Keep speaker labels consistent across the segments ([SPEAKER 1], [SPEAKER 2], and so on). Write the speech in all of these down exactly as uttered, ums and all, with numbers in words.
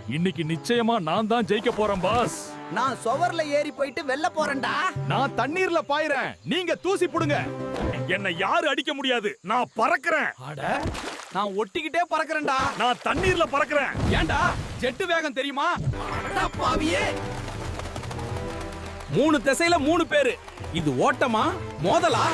[SPEAKER 1] இன்னைக்கு நிச்சயமா நான் தான் ஜெயிக்க போறேன் பாஸ்.
[SPEAKER 2] நான் சுவர்ல ஏறி போயிட்டு வெல்ல போறேன்டா.
[SPEAKER 1] நான் தண்ணீர்ல பாயிறேன், நீங்க தூசி புடுங்க. என்ன யாரு அடிக்க முடியாது, நான் பறக்கிறேன்.
[SPEAKER 2] அட, நான் ஒட்டிக்கிட்டே பறக்கறேன்டா.
[SPEAKER 1] நான் தண்ணீர்ல பறக்கிறேன்.
[SPEAKER 2] ஏன்டா ஜெட்டு வேகம் தெரியுமா? அட பாவியே. மூணு திசையில மூணு பேரு. இது ஓட்டமா மோதலா?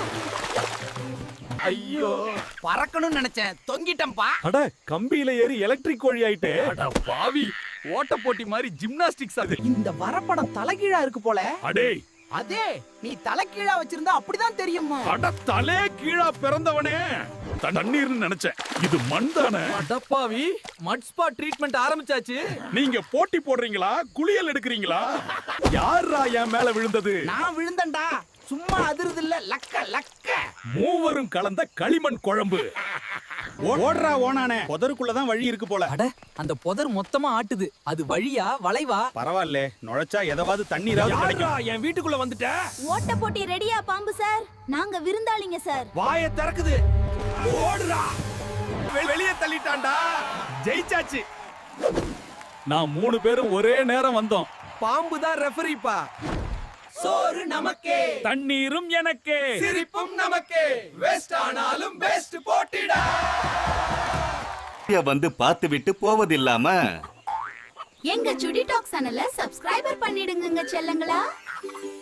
[SPEAKER 2] ஐயோ, பறக்கணும்னு நினைச்சேன், தொங்கிட்டேன்பா.
[SPEAKER 1] அட, கம்பியில ஏறி எலக்ட்ரிக் கோழி ஆயிட்டே.
[SPEAKER 2] அட பாவி, ஓட்ட போட்டி மாதிரி ஜிம்னாஸ்டிக்ஸ் அது. இந்த வரப்படம் தலைகீழா இருக்கு போல.
[SPEAKER 1] அடே,
[SPEAKER 2] அதே நீ தலைகீழா வச்சிருந்தா அப்படிதான் தெரியுமா?
[SPEAKER 1] அட, தலே கீழா பிறந்தவனே. தண்ணீர்னு நினைச்சேன், இது மண் தானே.
[SPEAKER 2] அடப்பாவி, மட் ஸ்பா ட்ரீட்மெண்ட் ஆரம்பிச்சாச்சு.
[SPEAKER 1] நீங்க போட்டி போடுறீங்களா, குளியல் எடுக்கிறீங்களா? யாரா என் மேல விழுந்தது?
[SPEAKER 2] நான் விழுந்தேன்டா. சும்மா அதிருது இல்ல, லக்க லக்க.
[SPEAKER 1] மூவரும் கலந்த களிமண் குழம்பு. ஓடுறா ஓனானே, புதருக்குள்ளதான் வழி இருக்கு போல.
[SPEAKER 2] அட, அந்த புதர் மொத்தமா ஆட்டுது. அது வழியா வளைவா?
[SPEAKER 1] பரவாயில்ல, நுழைச்சா ஏதாவது தண்ணீராவது கிடைக்கும்.
[SPEAKER 2] என் வீட்டுக்குள்ள வந்துட்ட.
[SPEAKER 3] ஓட்ட போட்டி ரெடியா பாம்பு சார்? நாங்க விருந்தாளிங்க சார்.
[SPEAKER 2] வாயை திறக்குது.
[SPEAKER 1] ஓடுறா, வெளியே தள்ளிட்டான்டா. ஜெயிச்சாச்சு. நான் மூணு பேரும் ஒரே நேரம் வந்தோம்.
[SPEAKER 2] பாம்பு தான் ரெஃபரிப்பா. சோறு நமக்கே,
[SPEAKER 1] தண்ணீரும் எனக்கே,
[SPEAKER 2] சிரிப்பும் நமக்கே. வெஸ்ட் ஆனாலும் பெஸ்ட் போட்டிடா.
[SPEAKER 4] வந்து பார்த்து விட்டு போவதில்லாம
[SPEAKER 3] எங்க சுடி டாக் சேனலை சப்ஸ்கிரைபர் பண்ணிடுங்க செல்லங்களா.